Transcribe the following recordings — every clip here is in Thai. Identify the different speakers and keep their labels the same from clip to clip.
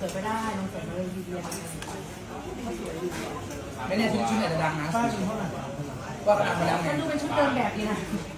Speaker 1: ไปได้ลองเสริมเลยดีเดีย
Speaker 2: ไม่แน่ชุดไหนจะดังนะป้าชุดเท่าไหร่ว่ากระดังไปแล้วไง
Speaker 1: ดูเป็นชุดเดิมแบบนี้นะ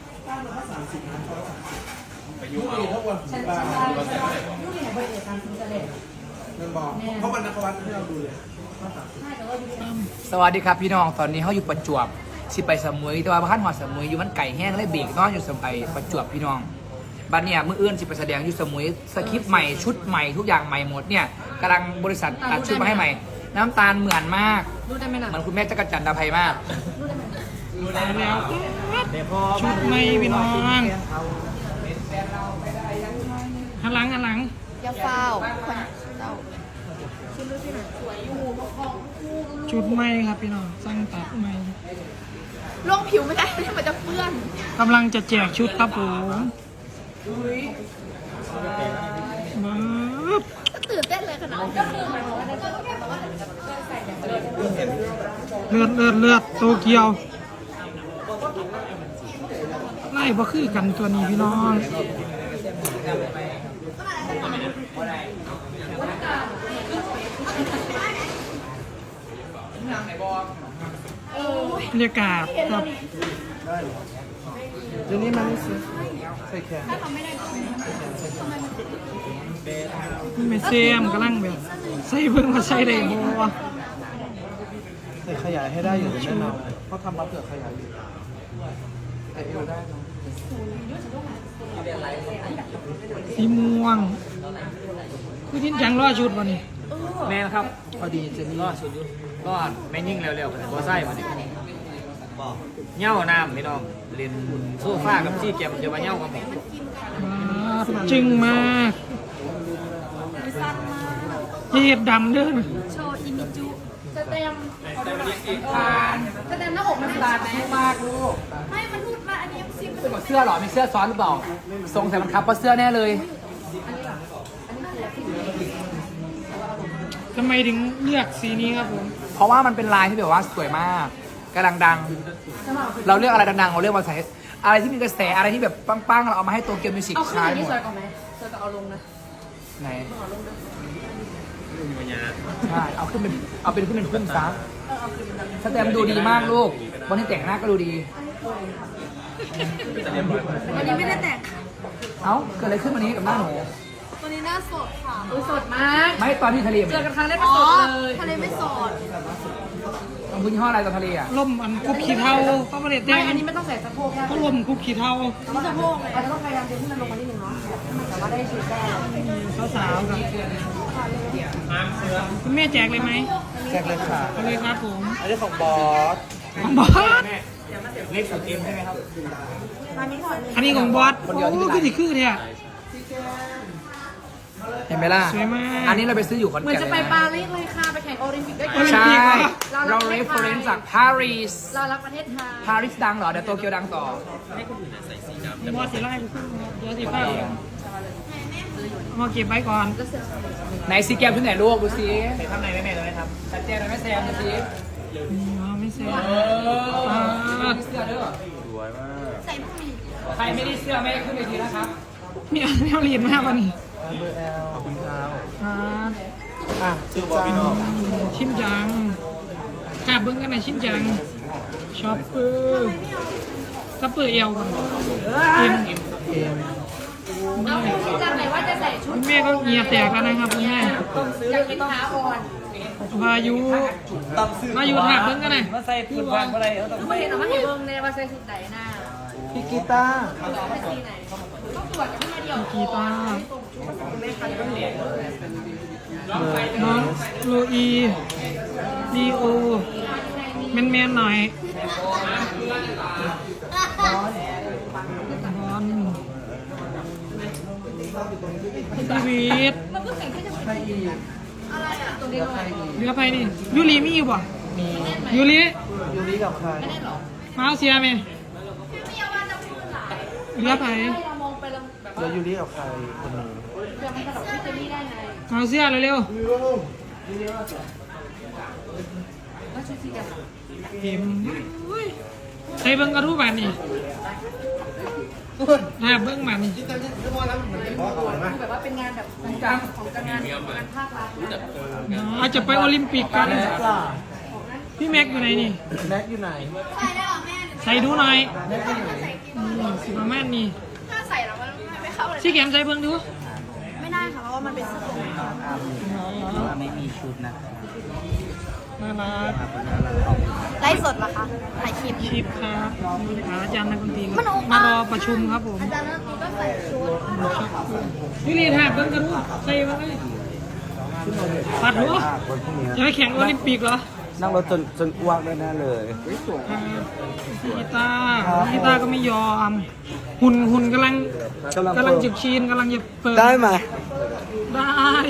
Speaker 2: ยุคนี้เท่าวัน
Speaker 1: ฉันยุคนี้เนี่ยบริเวณการซื้อเสลด
Speaker 2: นั่นบอกเพราะวันนักวัดที่เราดูเลย
Speaker 3: สวัสดีครับพี่น้องตอนนี้เขาอยู่ประจวบสิไปสมุยแต่ว่าบ้านหอดสมุยอยู่มันไก่แห้งเลยเบรกนอนอยู่สมุยประจวบพี่น้องบ้านเนี่ยมื้ออื่นสิไปแสดงอยู่สมุยสคริปต์ใหม่ชุดใหม่ทุกอย่างใหม่หมดเนี่ยกำลังบริษัทตัดชุดมาให้ใหม่น้ำตาลเหมือนมาก
Speaker 1: รู้ได้ไหมนะ
Speaker 3: เหมือนคุณแม่จักรจันทร์ดาภัยมาก
Speaker 1: รู้ได้ไหม
Speaker 4: แล้วชุดไม่พี่น้องหันหลัง
Speaker 1: อย่าเฝ้าคนเจ้าชุดรู้ที่ไหนสวยอยู่ของ
Speaker 4: ชุดไม่ครับพี่น้องสร้างตัดไม่
Speaker 1: ล่องผิวไม่ได้มันจะเปื้อน
Speaker 4: กำลังจะแจกชุดครับผมมา
Speaker 1: ตื่นเต้นเลยขนาดก็คือหมายความว่าได้ก็แค่บอกว่าใส่แบบ
Speaker 4: เลือดโตเกียวไล่บ่คือกันตัวนี้พี่น้องบรรยากาศครับ
Speaker 2: เดี๋ยวนี้มันไม่ซื้อใส่แขน
Speaker 4: ไม่เซียมกำลังแบบใส่เพิ่งมาใส่ได้บ่
Speaker 2: ใส่ขยายให้ได้อยู่แน่นอนเพราะทำมาเผื่อขยายอยู่ใส่เอวได้เนาะ
Speaker 4: สีม่วงคือทิ้งจังรอชุดวันนี้
Speaker 3: แม่นะครับ
Speaker 2: พอดีเจนี่
Speaker 3: รอดสุดยุรอดไม่ยิ่งเร็วๆหัวไส้มาดิเง่าน้ำพี่น้องเรียนโซฟากับที่เก็บจะมาเง่ากับผม
Speaker 4: จึงมากเห็ดดำเด้อ
Speaker 1: โชว์อิมิจุจะเต็มจะเต็มหน้าอกมันบาดไหมมากลูกไม่มันพูดมาอันนี้ซิม
Speaker 3: เสื้อหรอมีเสื้อซ้อนหรือเปล่าทรงใส่มันครับเพราะเสื้อแน่เลย
Speaker 4: ทำไมถึงเลือกสีนี้ครับผม
Speaker 3: เพราะว่ามันเป็นลายที่แบบว่าสวยมากกำลังดังเราเลือกอะไรดังๆเราเลือกมาใส่อะไรที่มีกระแสอะไรที่แบบปังๆเราเอามาให้โตเกียวมิวสิก
Speaker 1: ใช้หมดเอาขึ้นสวยกว่าไหมสวยกว่าเอาลงนะ
Speaker 3: ไหนใช่เอาขึ้นเป็นขึ้นเป็นพุ่งซะสแตมดูดีมากลูกวันที่แต่งหน้าก็ดูดี
Speaker 1: วันนี้ไม่ได้แต่ง
Speaker 3: เอ้าเกิดอะไรขึ้นวันนี้กับหน้าหนู
Speaker 1: วันนี้หน้าสดค่ะสดมาก
Speaker 3: ไม่ตอนที่ทะเล
Speaker 1: เจอกันครั้งแรกก็สดเลยทะเลไม่สด
Speaker 3: ต้องพื้นยี่ห้ออะไรตอนทะเลอ่ะ
Speaker 4: ล่มอันคุกขี้เทาก็ไม่ได้แต่ง
Speaker 1: อันนี้ไม่ต้องใส่สะโพก
Speaker 4: ก็ล่มคุกขี้เทา
Speaker 1: สะโพกเลยอาจจะต้องพยายามดึงให้มันลงมานิดนึงเนาะให้มันสามารถได้ชุดได้
Speaker 4: สาวๆครับคุณแม่แจกเลยไหม
Speaker 2: แจกเลยค่ะ
Speaker 4: เลยครับผม
Speaker 2: อันนี้ของบอส
Speaker 4: ของบอส
Speaker 3: เล็กสุดเกมใช่ไหมครับ
Speaker 4: อันนี้ของบอสโอ้คือที่คือเนี่ย
Speaker 3: เห็นไหมล่ะ
Speaker 4: สวยมาก
Speaker 3: อันนี้เราไปซื้ออยู่คอนแก่น
Speaker 1: เหมือนจะไปปารีสเลยค่ะไปแข่งโอลิมปิกด้วยกั
Speaker 3: นใช่เราเรฟเฟอเรนซ์จากปารีส
Speaker 1: เรารักประเทศไทย
Speaker 3: ปารีสดังเหรอเดี๋ยวโตเกียวดังต่อ
Speaker 4: มอสีไล่เดี๋ยวสีฟ้ามาเก็บไว้ก่อน
Speaker 3: ไหนซีแกมที่ไหนลูกดูสิใส่ข้างในแม่เลยครับชัดเจนเลยแม่แซมดูสิ
Speaker 4: ไม่แซม
Speaker 3: เสื้อเด้อ
Speaker 2: สวยมาก
Speaker 1: ใส่ผู้มี
Speaker 3: ใครไม่ได้เสื้อไม่ขึ้นไปทีนะครับ
Speaker 4: มีอะไรเรียนมากวันนี้
Speaker 2: เบอร์ L ขอบคุณ
Speaker 4: ครับ
Speaker 2: ชื่อบอพี่น้อง
Speaker 4: ชิมจังกาบเบิ้งกันนะชิมจังช็อปเปอร์ซัปเปอร์เอลก่อน
Speaker 1: เอาจำไหนว่าจะใส่ชุด
Speaker 4: คุณแม่ก็เงียแตกแล้วนะครับคุณแม่
Speaker 1: อยากกินขาอ่อน
Speaker 4: วายุถักเบิ้งกันนะ
Speaker 3: มาใส่ผืนพันอะไร
Speaker 1: ไม่เห็นหรอว่าเห็นเบิ้งเลยว่าใส่ชุดไหนหน้า
Speaker 2: พี่กีตาร์
Speaker 1: ต้องตรวจกันมาเดียว
Speaker 4: กีตาร์น้องโลอีดีโอแมนๆหน่อยบอลชีวิตเรือไปนี่ยูริมีอยู่ป่ะ
Speaker 2: มี
Speaker 4: ยูริ
Speaker 2: กับใคร
Speaker 4: มาเอาเสียไหมเรือไป
Speaker 2: เรือยูริกับใครคนนึง
Speaker 4: เอาเสียเร็วๆเห็นใส่เบิ้งกระทู้บานนี่หาเบิ้งบานนี่
Speaker 1: แบบว่าเป็นงานแบบของงานภาครัฐ
Speaker 4: อาจจะไปโอลิมปิกกัน
Speaker 2: แม็กล่ะ
Speaker 4: พี่แม็กอยู่ไหนนี่
Speaker 2: แม็กอยู่ไหน
Speaker 1: ใส่ได้หรอแม่
Speaker 4: ใส่ดูหน่อย
Speaker 2: แม็กอยู่ไหน
Speaker 4: ประมาณนี้
Speaker 1: ถ้าใส่แล้วมันไม่เข้าเลย
Speaker 4: ซี่แกมใส่เบิ้งดู
Speaker 1: ไม่ได้ค่ะเพราะว่ามันเป็นเสื้อตัว
Speaker 2: ไม่มีชุดนะ
Speaker 4: น่ารัก
Speaker 1: ไลฟ์สดเหรอคะถ่ายคลิป
Speaker 4: ชิปครับอาจารย์นักดนตรี
Speaker 1: มันโอ
Speaker 4: มารอประชุมครับผม
Speaker 1: อาจารย์นักดนตรีก็ใส่ชุด
Speaker 4: พี่ลีดหาเบิ้งกระทู้ใส่มาเลยปัดหัวจะไปแข่งโอลิมปิกเหรอ
Speaker 2: นั่งรถจนอ้วกได้แน่เลย
Speaker 4: พี่กีตาร์ก็ไม่ยอม หุ่นกำลังจะชีนกำลังจะเปิด
Speaker 2: ได้ไหม
Speaker 4: ได้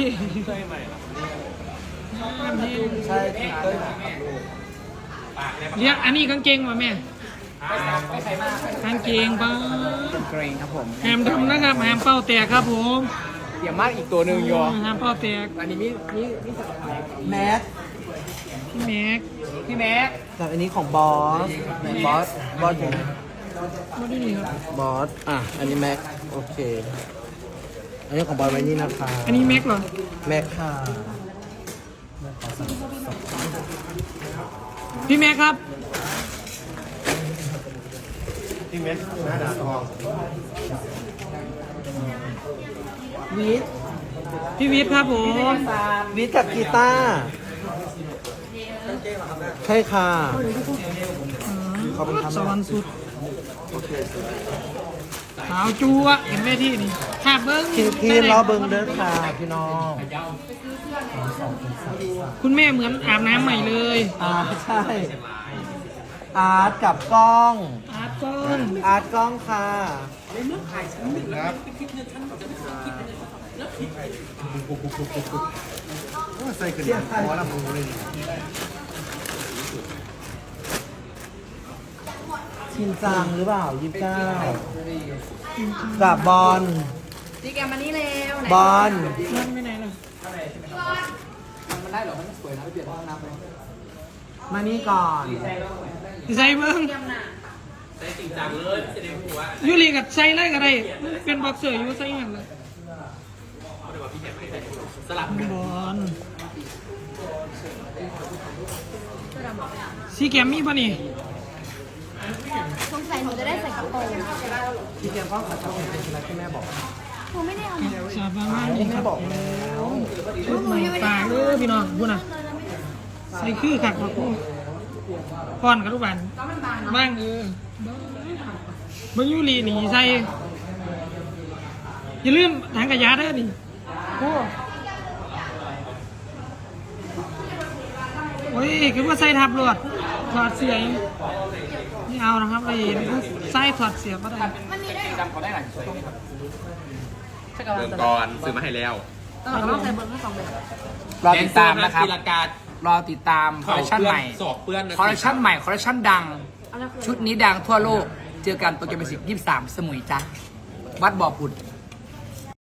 Speaker 2: ใช่เต้ย
Speaker 4: เรียกอันนี้กางเกงมาแม่กางเกงป้า
Speaker 3: เกรงครับผม
Speaker 4: แฮมดำนะครับแฮมเป้าแตกครับผม
Speaker 3: เดี๋ยวมากอีกตัวหนึ่งยอ
Speaker 4: แฮมเป้าแตก
Speaker 3: อันนี้มี
Speaker 2: แม็ก
Speaker 4: พี่แม็ก
Speaker 3: พี่แม็ก
Speaker 2: กับอันนี้ของบอสไหนบอสอยู่ไหน
Speaker 4: มาดูนี่ครับ
Speaker 2: บอสอันนี้แม็กโอเค อันนี้ของบอสไว้นี่นะคะ
Speaker 4: อันนี้แม็กเหรอ
Speaker 2: แม็กค่ะ
Speaker 4: พี่แม็กครับ
Speaker 2: วิท
Speaker 4: พี่วิทย์ครับผม
Speaker 2: วิทกับกีตาร์ใช่ค่ะ ขอบคุณครับ
Speaker 4: สวรรค์สุดขาวจูอะเห็นไหมที่นี่หาเบิ้ง
Speaker 2: พี่รอเบิงเด้อค่ะพี่น้อง
Speaker 4: คุณแม่เหมือนอาบน้ำใหม่เลย
Speaker 2: ใช่ อาร์ตกับกล้อง
Speaker 4: อาร์ตก้อน
Speaker 2: อาร์ตกล้องค่ะใส่กระเดียดพอละมูเลยชินจังหรือเปล่า29กับบอล
Speaker 1: ดีแกมานี่เร็ว
Speaker 2: บอล
Speaker 4: นั่นไปไหนล่ะ
Speaker 3: มันได้เหรอมันสวยนะไปเปลี่ยนห้องน้ำเลย
Speaker 2: มานี่ก่อน
Speaker 4: ใส่เบิ้งยูรีกับใส่ได้ก็ได้เป็นบ็อกเซอร์อยู่ใส่อย่างเลยบอลสีแกมมี่ป่ะนี่
Speaker 1: สงสัยหนูจะได้ใส่กระโปรง
Speaker 2: พี่เตรียมกล้องขัดจับเป็นอะไรที่แม่บอก
Speaker 1: หนูไม่ได้เอามา
Speaker 4: สาบานว่านี่
Speaker 2: แม่
Speaker 4: ครับ
Speaker 2: บอกแล้ว
Speaker 4: ชุดใหม่ปากเลยพี่น้องพูดนะใส่คือขักมาพูดพอนกับทุกวันบ้างเบิ้งยูรีหนีใส่อย่าลืมถังกระยาเด้อนี่โอ้ยคือว่าใส่ทับรวดถอดเสียงนี่เอานะครับไอ้ใส่ถอดเสียงก็ได้
Speaker 1: มันมีได้
Speaker 3: จำเขาได้หน่อย
Speaker 5: เบิ่งก่อนซื้อมาให้แล้ว
Speaker 1: ต้องใส่เบอร์ทั้งสองแบบ
Speaker 3: รอติดตามนะครับ
Speaker 5: ตีลังการ
Speaker 3: อติดตามคอลเลคชันใหม่
Speaker 5: สอบเปื้อนนะ
Speaker 3: คอลเลคชันใหม่คอลเลคชันดัง ชุดนี้ดังทั่วโลก เจอกันโปรแกรมมิวสิก23 สมุยจ้ะวัดบ่อผุด